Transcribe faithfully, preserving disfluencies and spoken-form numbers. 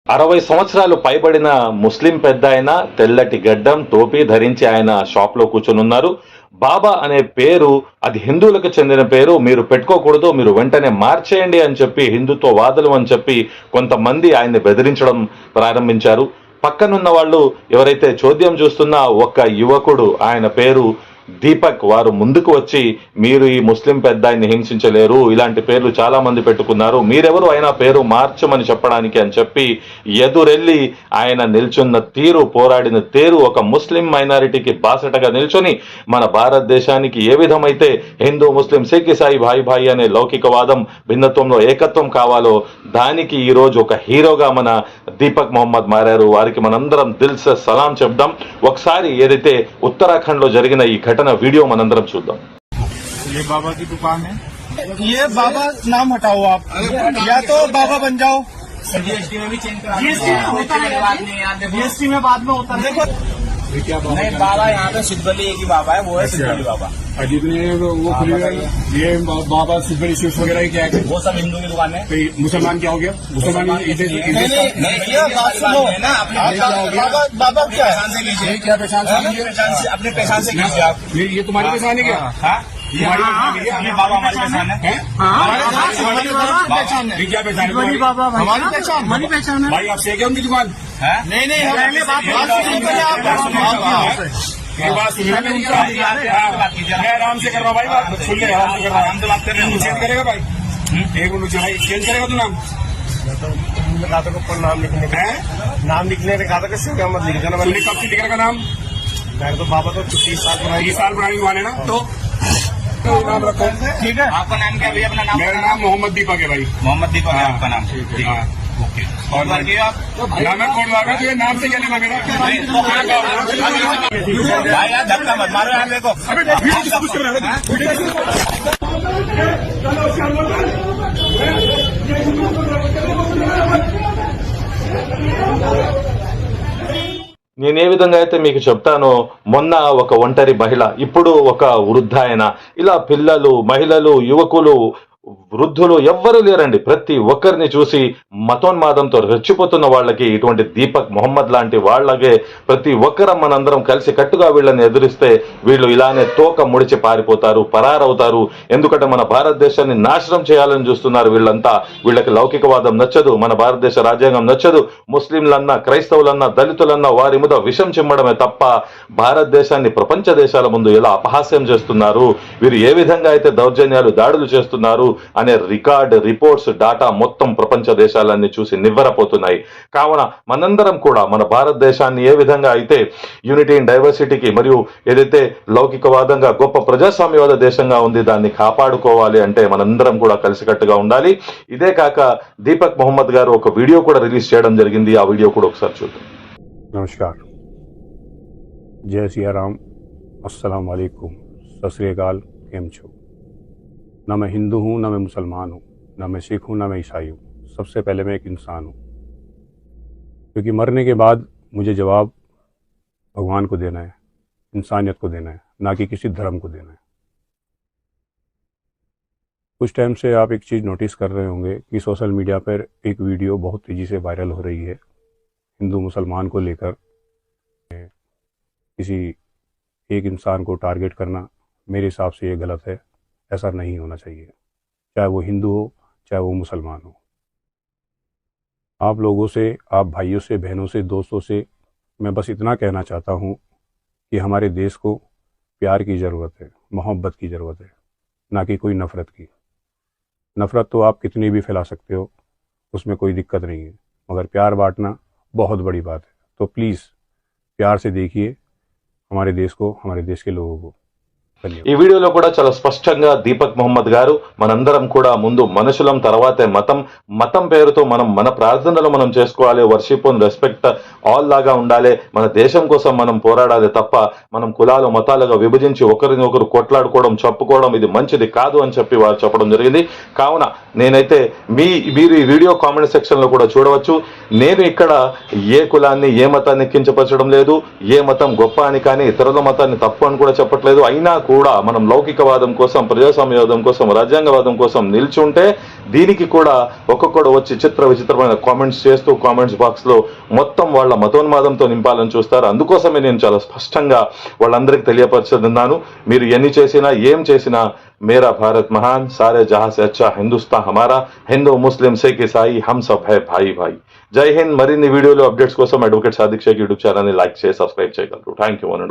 అరవై సంవత్సరాలు పైబడిన ముస్లిం పెద్ద ఆయన తెల్లటి గడ్డం టోపీ ధరించి ఆయన షాప్ లో కూర్చొని ఉన్నారు. బాబా అనే పేరు అది హిందువులకు చెందిన పేరు, మీరు పెట్టుకోకూడదు, మీరు వెంటనే మార్చేయండి అని చెప్పి హిందుత్వ వాదులు అని చెప్పి కొంతమంది ఆయన్ని బెదిరించడం ప్రారంభించారు. పక్కనున్న వాళ్ళు ఎవరైతే చోద్యం చూస్తున్న ఒక యువకుడు, ఆయన పేరు దీపక్, వారు ముందుకు వచ్చి మీరు ఈ ముస్లిం పెద్ద ఆయన్ని హింసించలేరు, ఇలాంటి పేర్లు చాలా మంది పెట్టుకున్నారు, మీరెవరు అయినా పేరు మార్చమని చెప్పడానికి అని చెప్పి ఎదురెళ్లి ఆయన నిల్చున్న తీరు, పోరాడిన తీరు ఒక ముస్లిం మైనారిటీకి బాసటగా నిల్చొని మన భారతదేశానికి ఏ విధమైతే హిందూ ముస్లిం సిక్ ఇసాయి భాయి భాయి అనే లౌకికవాదం భిన్నత్వంలో ఏకత్వం కావాలో దానికి ఈ రోజు ఒక హీరోగా మన దీపక్ మొహమ్మద్ మారారు. వారికి మనందరం దిల్ సే సలాం చెప్దాం. ఒకసారి ఏదైతే ఉత్తరాఖండ్ లో జరిగిన ఈ घटना वीडियो मनंदरम चूद्दाम. ये बाबा की दुकान है, ये बाबा नाम हटाओ आप, या तो बाबा बन जाओ। जीएसटी में भी चेंज करा, जीएसटी में होता है, जीएसटी में बाद में होता है। देखो क्या बाबा, नहीं बाबा यहाँ पे सिद्धबली एक ही बाबा है, वो है सिद्धबली बाबा। जितने वो खुलेगा ये बाबा सिद्धबली स्वीट्स वगैरह क्या है, वो सब हिंदू की दुकान है। मुसलमान क्या हो गया, मुसलमान बाबा क्या पहचान से लीजिए, क्या पहचान से अपने पहचान से लीजिए आप। ये तुम्हारी पहचान है क्या? ये बाबा हमारी पहचान है, ये क्या पहचान है? हमारी पहचान, हमारी पहचान है भाई। आप से क्या उनकी दुकान? नहीं नहीं, ये बात सुन रहे मैं आराम से कर रहा हूँ भाई, बात सुन ले, आराम से कर रहा हूँ, हम तो बात कर रहे हैं। चेंज करेगा भाई, एक मिनट भाई, चेंज करेगा तू नाम? कहा था ऊपर नाम लिखने का, नाम लिखने ने कहा था कि क्या मत लिख देना। कब से लिखेगा नाम? मैं तो बाबा तो तीस साल पुरानी, तीस साल पुरानी दुकान है ना, तो नाम रखो। ठीक है, आपका नाम क्या भैया? अपना नाम? मेरा नाम मोहम्मद दीपक है भाई। मोहम्मद दीपक है आपका नाम? ठीक है, ओके। और बाकी आप मैं कोड लगा तो ये नाम से क्या लेना मेरा भाई? यार धक्का मत मारो यार, देखो నేను ఏ విధంగా అయితే మీకు చెప్తానో, మొన్న ఒక ఒంటరి మహిళ, ఇప్పుడు ఒక వృద్ధాయన, ఇలా పిల్లలు, మహిళలు, యువకులు, వృద్ధులు ఎవ్వరూ లేరండి. ప్రతి ఒక్కరిని చూసి మతోన్మాదంతో రెచ్చిపోతున్న వాళ్ళకి ఇటువంటి దీపక్ మొహమ్మద్ లాంటి వాళ్ళకే ప్రతి ఒక్కరం మనందరం కలిసి కట్టుగా వీళ్ళని ఎదురిస్తే వీళ్ళు ఇలానే తోక ముడిచి పారిపోతారు, పరారవుతారు. ఎందుకంటే మన భారతదేశాన్ని నాశనం చేయాలని చూస్తున్నారు వీళ్ళంతా. వీళ్ళకి లౌకికవాదం నచ్చదు, మన భారతదేశ రాజ్యాంగం నచ్చదు. ముస్లింలన్నా, క్రైస్తవులన్నా, దళితులన్నా వారి మీద విషం చిమ్మడమే తప్ప భారతదేశాన్ని ప్రపంచ దేశాల ముందు ఎలా అపహాస్యం చేస్తున్నారు, వీరు ఏ విధంగా అయితే దౌర్జన్యాలు, దాడులు చేస్తున్నారు అనే రికార్డ్, రిపోర్ట్స్, డాటా మొత్తం ప్రపంచ దేశాలన్నీ చూసి నివ్వెరపోతున్నాయి. కావున మనందరం కూడా మన భారతదేశాన్ని ఏ విధంగా అయితే యూనిటీ ఇన్ డైవర్సిటీకి మరియు ఏదైతే లౌకికవాదంగా గొప్ప ప్రజాస్వామ్యవాద దేశంగా ఉంది దాన్ని కాపాడుకోవాలి అంటే మనందరం కూడా కలిసికట్టుగా ఉండాలి. ఇదే కాక దీపక్ మొహమ్మద్ గారు ఒక వీడియో కూడా రిలీజ్ చేయడం జరిగింది. ఆ వీడియో కూడా ఒకసారి చూద్దాం. నమస్కార్, జై సియారాम, अस्सलाम वालेकुम, सत श्री अकाल, केम छो? ना मैं हिंदू हूँ, ना मैं मुसलमान हूँ, ना मैं सिख हूँ, ना मैं ईसाई हूँ। सबसे पहले मैं एक इंसान हूँ, क्योंकि मरने के बाद मुझे जवाब भगवान को देना है, इंसानियत को देना है, ना कि किसी धर्म को देना है। कुछ टाइम से आप एक चीज़ नोटिस कर रहे होंगे कि सोशल मीडिया पर एक वीडियो बहुत तेज़ी से वायरल हो रही है हिंदू मुसलमान को लेकर। किसी एक इंसान को टारगेट करना मेरे हिसाब से ये गलत है, ऐसा नहीं होना चाहिए, चाहे वो हिंदू हो चाहे वो मुसलमान हो। आप लोगों से, आप भाइयों से, बहनों से, दोस्तों से मैं बस इतना कहना चाहता हूँ कि हमारे देश को प्यार की ज़रूरत है, मोहब्बत की ज़रूरत है, ना कि कोई नफ़रत की। नफ़रत तो आप कितनी भी फैला सकते हो, उसमें कोई दिक्कत नहीं है, मगर प्यार बांटना बहुत बड़ी बात है। तो प्लीज़ प्यार से देखिए हमारे देश को, हमारे देश के लोगों को। ఈ వీడియోలో కూడా చాలా స్పష్టంగా దీపక్ మొహమ్మద్ గారు మనందరం కూడా ముందు మనుషులం, తర్వాతే మతం, మతం పేరుతో మనం మన ప్రార్థనలు మనం చేసుకోవాలి, వర్షిప్ అండ్ రెస్పెక్ట్ ఆల్ లాగా ఉండాలి, మన దేశం కోసం మనం పోరాడాలి తప్ప మనం కులాలు, మతాలుగా విభజించి ఒకరిని ఒకరు కొట్లాడుకోవడం, చెప్పుకోవడం ఇది మంచిది కాదు అని చెప్పి వారు చెప్పడం జరిగింది. కావున నేనైతే మీ మీరు ఈ వీడియో కామెంట్ సెక్షన్ లో కూడా చూడవచ్చు. నేను ఇక్కడ ఏ కులాన్ని, ఏ మతాన్ని కించపరచడం లేదు, ఏ మతం గొప్ప అని కానీ ఇతరుల మతాన్ని తప్పు అని కూడా చెప్పట్లేదు. అయినా కూడా మనం లౌకికవాదం కోసం, ప్రజాస్వామ్యవాదం కోసం, రాజ్యాంగవాదం కోసం నిల్చుంటే దీనికి కూడా ఒక్కొక్కడు వచ్చి చిత్ర విచిత్రమైన కామెంట్స్ చేస్తూ కామెంట్స్ బాక్స్ లో మొత్తం వాళ్ళ మతోన్మాదంతో నింపాలని చూస్తారు. అందుకోసమే నేను చాలా స్పష్టంగా వాళ్ళందరికీ తెలియపరుచుతున్నాను, మీరు ఎన్ని చేసినా ఏం చేసినా मेरा भारत महान, सारे जहां से अच्छा हिंदुस्तान हमारा, हिंदू मुस्लिम सिख ईसाई हम सब है भाई भाई. జై హింద్. మరిన్ని వీడియోలు అప్డేట్స్ కోసం advocate Sadiq Shaik YouTube channel ని లైక్ చేసి సబ్స్క్రైబ్ చేయగలరు. Thank you.